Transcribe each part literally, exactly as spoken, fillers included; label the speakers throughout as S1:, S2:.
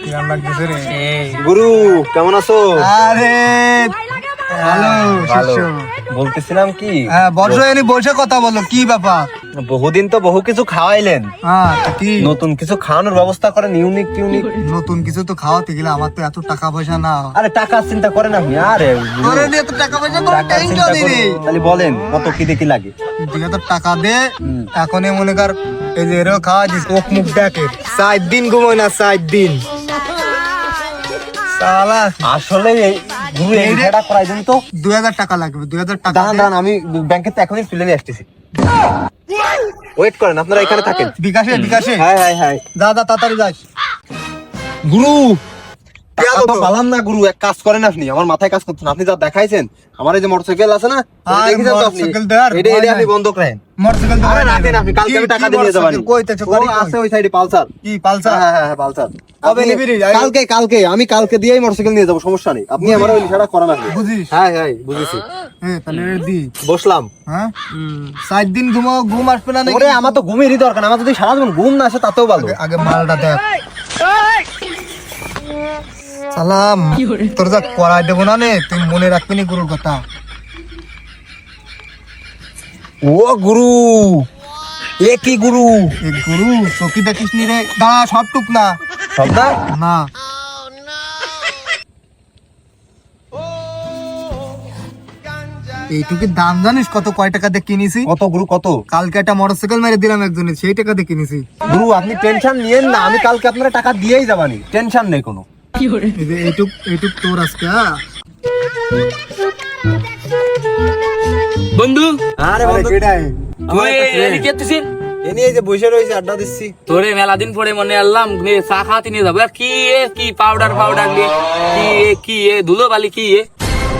S1: গুরু কেমন আছো?
S2: আরে ভালো
S1: ভালো।
S2: শিষ্য।
S1: বলতেছিলাম কি,
S2: হ্যাঁ বসো, এনে বসে কথা বলো, কি ব্যাপার?
S1: বহুদিন তো বহু কিছু খাওয়াইলেন,
S2: হ্যাঁ তা কি
S1: নতুন কিছু খাওয়ানোর ব্যবস্থা করেন, ইউনিক ইউনিক।
S2: নতুন কিছু তো খাওয়াতে গেলে আমার তো এত টাকা পয়সা না।
S1: আরে টাকার চিন্তা করেন আপনি। আরে
S2: তোরে নিয়ে তো টাকা পয়সা কোনো
S1: টাকার চিন্তা
S2: টেনশনই
S1: করেন,
S2: নেই।
S1: তাহলে বলেন কত কি দেখি লাগে।
S2: তুই তো টাকা দে, এখনই মনে কর এই যে এরও খাওয়া দিস, চোখ মুখ দেখে সাত দিন ঘুমোয় না, সাত দিন সালা।
S1: আসলে এই গুরু এই ভিডিওটা করাই দেন তো।
S2: দুই হাজার টাকা লাগবে, দুই হাজার টাকা
S1: দাঁড়ান
S2: দে।
S1: দাঁড়ান, আমি ব্যাংকে তো এখনই তুলে নিয়ে আসতেছি। ওয়েট করেন, আপনারা এখানে থাকেন।
S2: বিকাশে বিকাশে
S1: হ্যাঁ হ্যাঁ হ্যাঁ।
S2: যা যা তাড়াতাড়ি যাস।
S1: গুরু
S2: গেল
S1: টাকা তো
S2: তো।
S1: পালাম না গুরু, এক কাজ করেন আপনি, আমার মাথায় কাজ করছেন। আপনি যা দেখাইছেন, আমার এই যে মোটরসাইকেল আছে না,
S2: আর
S1: দেখেছেন তো আপনি,
S2: মোটরসাইকেল দেওয়ার
S1: এটা এটা
S2: ভয়
S1: আপনি
S2: নাই।
S1: বন্ধক রাখেন।
S2: মোটরসাইকেল তো
S1: আরে
S2: হয় না
S1: রাখেন আপনি, কালকে আমি
S2: কি-
S1: টাকা
S2: কি
S1: দিয়ে যাবেন।
S2: মোটরসাইকেল? কই তেছো,
S1: ও
S2: গাড়ি কই?
S1: আছে ওই সাইডে পালসার।
S2: কি পালসার?
S1: হ্যাঁ হ্যাঁ হ্যাঁ পালসার।
S2: কবে
S1: আপনি-
S2: নিবি রে?
S1: কালকে কালকে আমি কালকে দিয়েই মোটরসাইকেল নিয়ে যাবো, সমস্যা নেই। আপনি আমার ওই লিখাটা করা লাগবে।
S2: বুঝিস?
S1: হ্যাঁ হ্যাঁ বুঝেছি।
S2: হ্যাঁ তাহলে এটা দি।
S1: বসলাম।
S2: হ্যাঁ সাত দিন ঘুমো, ঘুম আসবে না নাকি?
S1: ওরে আমার তো ঘুমেরই দরকার, আমার যদি সারা জীবন ঘুম না আসে তাতেও ভালো।
S2: আগে- আগে মালটা দেখ। সালাম তোর যা করাই দেবো না নে, তুই মনে রাখবি নি গুরুর কথা।
S1: ও গুরু, এ কি গুরু?
S2: এ গুরু চকি দেখিস নি রে? দাঁড়া, সব টুক না
S1: সব না?
S2: না। এইটুকুর দাম জানিস কত? কয় টাকা দিয়ে কিনেছি?
S1: কত গুরু কত?
S2: কালকে একটা মোটরসাইকেল মেরে দিলাম একজনের, সেই টাকা দিয়ে কিনেছি।
S1: গুরু আপনি টেনশন নিয়েন না, আমি কালকে আপনারা টাকা দিয়েই যাবানি, টেনশন নেই কোনো।
S2: এই যে এইটুক এইটুক তোর আজকে। হ্যাঁ
S3: বন্ধু
S1: আরে বন্ধু,
S3: তুই এদিকে এসেছিস?
S1: এ নিয়ে এই যে বসে রয়েছে, আড্ডা দিচ্ছি।
S3: তোরে মেলা দিন পরে মনে আনলাম নিয়ে চা খাওয়াতে নিয়ে যাবো। আর কি এ কি পাউডার পাউডার দিয়ে কি এ কি এ ধুলো বালি কি এ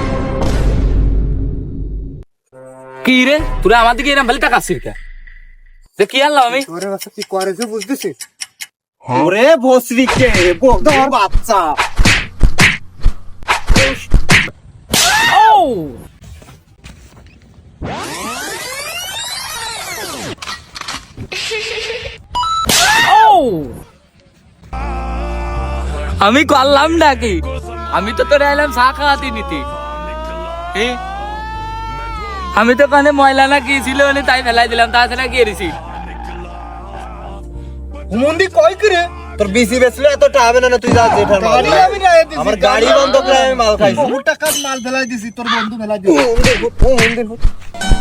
S3: কি রে? তোরা আমার দিকে এরকম ভালো টাকা ছিড়কা যে কি আনলাম আমি?
S2: তোরে বাচ্চা কি করেছে বুঝতেছিস?
S1: ওরে ভস্রী কে বন্ধুর বাচ্চা।
S3: ও ও আমি করলাম নাকি? আমি তো তোরে এলাম চা খাওয়াতে নিতে। এ? আমি তো কানে ময়লা না কি ছিল তাই ফেলাই দিলাম, তাছাড়া কি এরিছি?
S2: হুমন্দি কয় করে
S1: তোর বিসি বেচলে এত টাকা হবে না, তুই যা জেঠার মাল
S2: গাড়ি
S1: খাই।
S2: আমি নিয়ে দিছি,
S1: আমার গাড়ি বন্ধ করে আমি মাল খাইছি।
S2: বহু টাকার মাল ফেলাই দিছি, তোর বন্ধু ফেলাই দিছি।
S1: ও, হুন্ডে, ও, হুন্ডে, হুন্ডে।